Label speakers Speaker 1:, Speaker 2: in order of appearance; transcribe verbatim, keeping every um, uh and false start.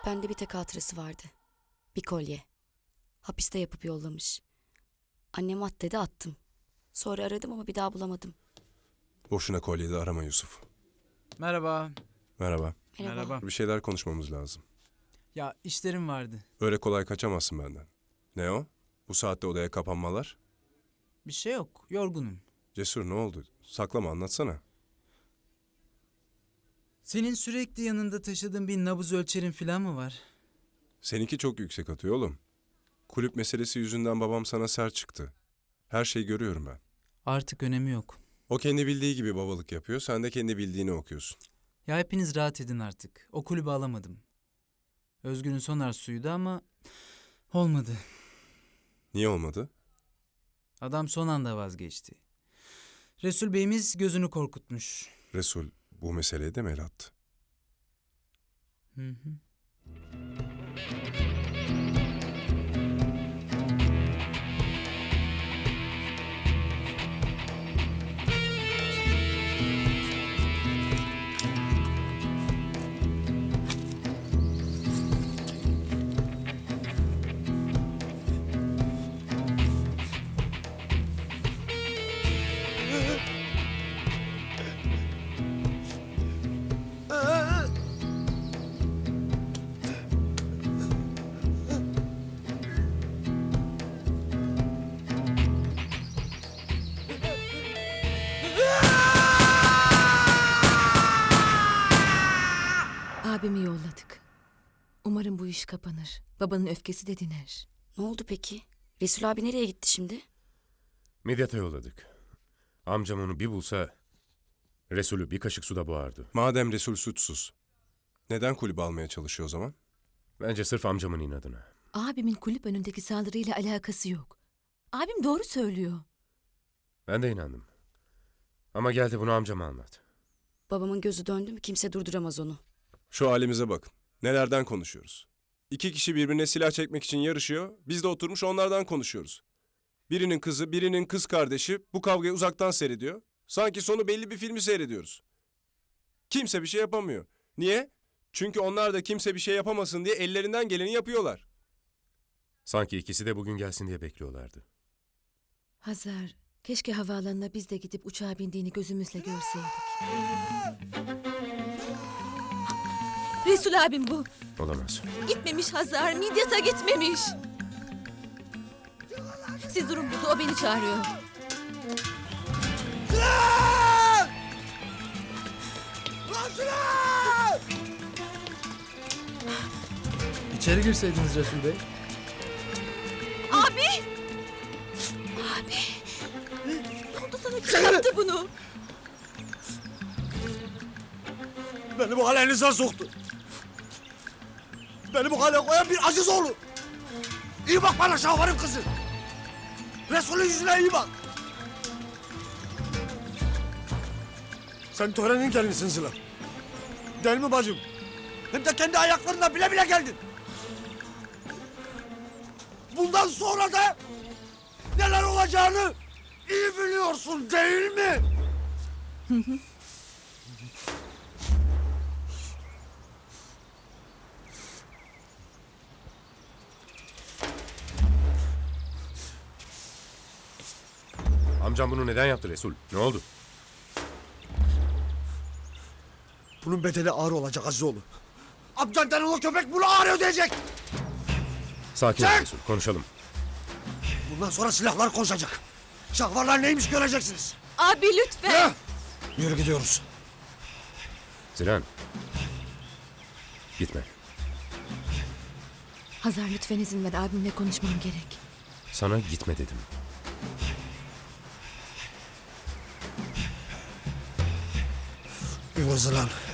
Speaker 1: Bende bir tek hatırası vardı. Bir kolye. Hapiste yapıp yollamış. Annem at dedi, attım. Sonra aradım ama bir daha bulamadım.
Speaker 2: Boşuna kolyeyi arama Yusuf.
Speaker 3: Merhaba.
Speaker 2: Merhaba.
Speaker 1: Merhaba.
Speaker 3: Merhaba.
Speaker 2: Bir şeyler konuşmamız lazım.
Speaker 3: Ya işlerim vardı.
Speaker 2: Öyle kolay kaçamazsın benden. Ne o? Bu saatte odaya kapanmalar?
Speaker 3: Bir şey yok. Yorgunum.
Speaker 2: Cesur, ne oldu? Saklama, anlatsana.
Speaker 3: Senin sürekli yanında taşıdığın bir nabız ölçerin falan mı var?
Speaker 2: Seninki çok yüksek atıyor oğlum. Kulüp meselesi yüzünden babam sana sert çıktı. Her şeyi görüyorum ben.
Speaker 3: Artık önemi yok.
Speaker 2: O kendi bildiği gibi babalık yapıyor, sen de kendi bildiğini okuyorsun.
Speaker 3: Ya hepiniz rahat edin artık. O kulübü alamadım. Özgür'ün son arzusuydu ama olmadı.
Speaker 2: Niye olmadı?
Speaker 3: Adam son anda vazgeçti. Resul Bey'imiz gözünü korkutmuş.
Speaker 2: Resul bu meseleye de mi el attı?
Speaker 3: Hı hı.
Speaker 4: Abimi yolladık. Umarım bu iş kapanır. Babanın öfkesi de diner.
Speaker 1: Ne oldu peki? Resul abi nereye gitti şimdi?
Speaker 5: Midyat'a yolladık. Amcam onu bir bulsa Resul'ü bir kaşık suda boğardı.
Speaker 2: Madem Resul suçsuz, neden kulübü almaya çalışıyor o zaman?
Speaker 5: Bence sırf amcamın inadına.
Speaker 4: Abimin kulüp önündeki saldırıyla alakası yok. Abim doğru söylüyor.
Speaker 5: Ben de inandım. Ama geldi bunu amcama anlat.
Speaker 1: Babamın gözü döndü mü kimse durduramaz onu.
Speaker 2: Şu halimize bakın. Nelerden konuşuyoruz? İki kişi birbirine silah çekmek için yarışıyor. Biz de oturmuş onlardan konuşuyoruz. Birinin kızı, birinin kız kardeşi bu kavgayı uzaktan seyrediyor. Sanki sonu belli bir filmi seyrediyoruz. Kimse bir şey yapamıyor. Niye? Çünkü onlar da kimse bir şey yapamasın diye ellerinden geleni yapıyorlar.
Speaker 5: Sanki ikisi de bugün gelsin diye bekliyorlardı.
Speaker 4: Hazar, keşke havaalanına biz de gidip uçağa bindiğini gözümüzle görseydik. Resul abim bu.
Speaker 5: Olamaz.
Speaker 4: Gitmemiş Hazar, Midyat'a gitmemiş. Siz durun burada, o beni çağırıyor.
Speaker 6: İçeri girseydiniz Resul Bey.
Speaker 4: Abi! Abi! Ne oldu sana? Kim yaptı bunu?
Speaker 6: Beni bu hale elinizden soktu. Beni bu hale koyan bir Azizoğlu. İyi bak bana Şahvar'ın kızı. Resul'ün yüzüne iyi bak. Sen törenin gelinisin Sıla. Değil mi bacım? Hem de kendi ayaklarına bile bile geldin. Bundan sonra da neler olacağını iyi biliyorsun değil mi?
Speaker 5: Amcam bunu neden yaptı Resul? Ne oldu?
Speaker 6: Bunun bedeli ağır olacak Azizoğlu. Amcan denen o köpek bunu ağır ödeyecek.
Speaker 5: Sakin ol
Speaker 6: Çek!
Speaker 5: Resul, konuşalım.
Speaker 6: Bundan sonra silahlar konuşacak. Şahvarlar neymiş göreceksiniz.
Speaker 4: Abi lütfen.
Speaker 6: Heh! Yürü gidiyoruz.
Speaker 5: Zilan. Gitme.
Speaker 4: Hazar lütfen izin ver, abimle konuşmam gerek.
Speaker 5: Sana gitme dedim.
Speaker 6: Yürü lan.